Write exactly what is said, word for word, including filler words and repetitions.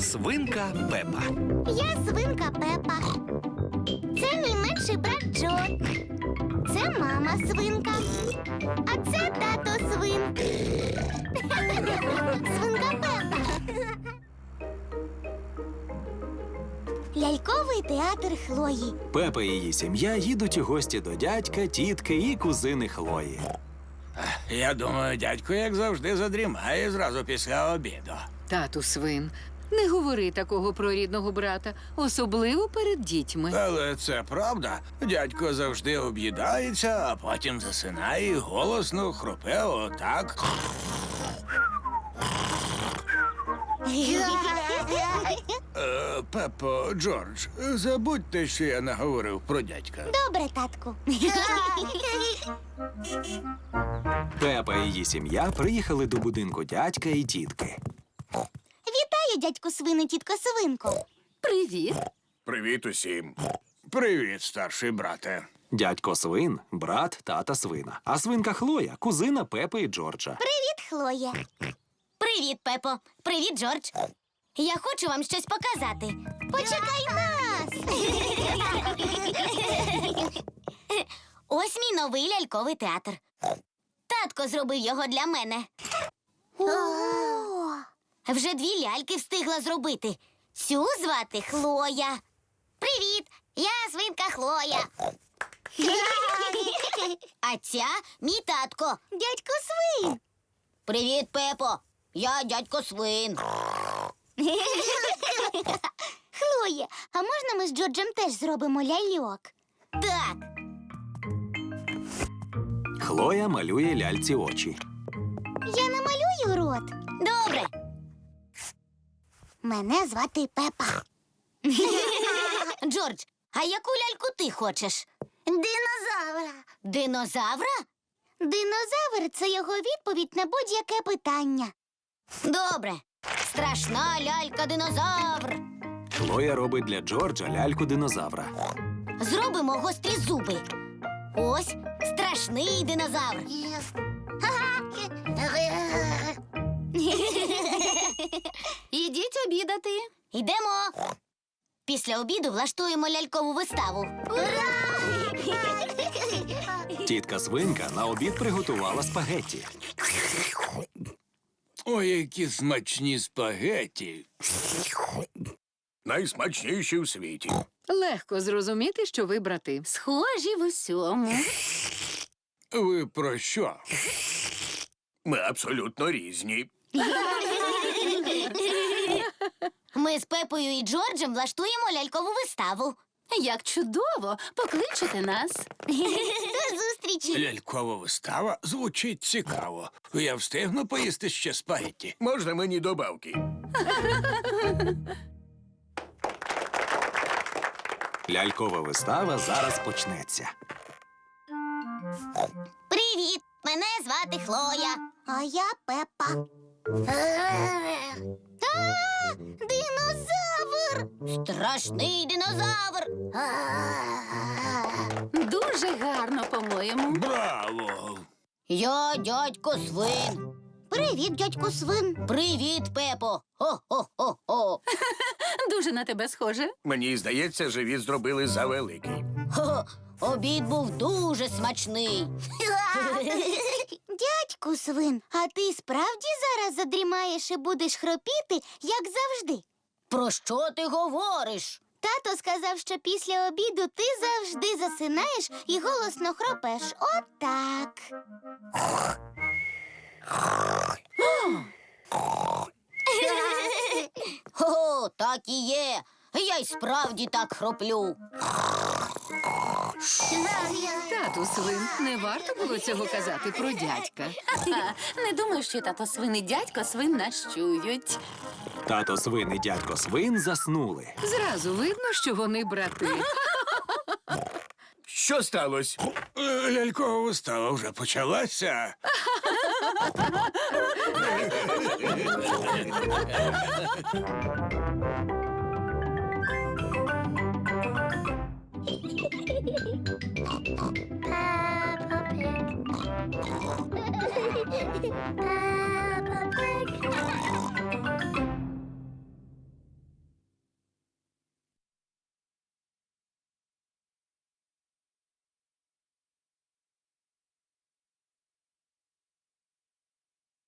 Свинка Пепа. Я свинка Пепа. Це мій менший брат Джо. Це мама свинка. А це тато свин. Свинка Пепа. Ляльковий театр Хлої. Пепа і її сім'я їдуть у гості до дядька, тітки і кузини Хлої. Я думаю, дядько, як завжди, задрімає зразу після обіду. Тату свин, не говори такого про рідного брата, особливо перед дітьми. Але це правда. Дядько завжди об'їдається, а потім засинає і голосно хропе отак. Е, Пепо, Джордж, забудьте, що я наговорив про дядька. Добре, татку. Пепа і її сім'я приїхали до будинку дядька і тітки. Вітаю, дядьку свини, тітко свинко. Привіт. Привіт усім. Привіт, старший брате. Дядько свин – брат тата свина, а свинка Хлоя – кузина Пепи і Джорджа. Привіт, Хлоя. Привіт, Пепо. Привіт, Джордж. Я хочу вам щось показати. Почекай нас! Ось мій новий ляльковий театр. Татко зробив його для мене. Вже дві ляльки встигла зробити. Цю звати Хлоя. Привіт, я свинка Хлоя. А ця мій татко. Дядько свин. Привіт, Пепо. Я дядько свин. Хлоя, а можна ми з Джорджем теж зробимо ляльок? Так. Хлоя малює ляльці очі. Я намалюю рот. Добре. Мене звати Пепа. Джордж, а яку ляльку ти хочеш? Динозавра. Динозавра? Динозавр – це його відповідь на будь-яке питання. Добре. Страшна лялька-динозавр. Хлоя робить для Джорджа ляльку-динозавра. Зробимо гострі зуби. Ось страшний динозавр. Ідіть обідати. Йдемо. Після обіду влаштуємо лялькову виставу. Ура! Тітка свинка на обід приготувала спагетті. Ой, які смачні спагеті. Найсмачніші у світі. Легко зрозуміти, що ви брати. Схожі в усьому. Ви про що? Ми абсолютно різні. Ми з Пепою і Джорджем влаштуємо лялькову виставу. Як чудово! Покличете нас. До зустрічі. Лялькова вистава звучить цікаво. Я встигну поїсти ще спагетті. Можна мені добавки? Лялькова вистава зараз почнеться. Привіт! Мене звати Хлоя. А я Пепа. А, динозавр! Страшний динозавр! Дуже гарно, по-моєму. Браво! Я дядько свин. Привіт, дядько свин. Привіт, Пепо. Хо-хо-хо-хо. Дуже на тебе схоже. Мені здається, живіт зробили завеликий. Хо, обід був дуже смачний. Дядьку свин, а ти справді зараз задрімаєш і будеш хропіти, як завжди? Про що ти говориш? Тато сказав, що після обіду ти завжди засинаєш і голосно хропеш. Отак. О, так і є. Я й справді так хроплю. Тату свин, не варто було цього казати про дядька. Не думаю, що тато свин і дядько свин нас чують. Тато свин і дядько свин заснули. Зразу видно, що вони брати. Що сталося? Е, Лялькова вистава вже почалася. Peppa Pig.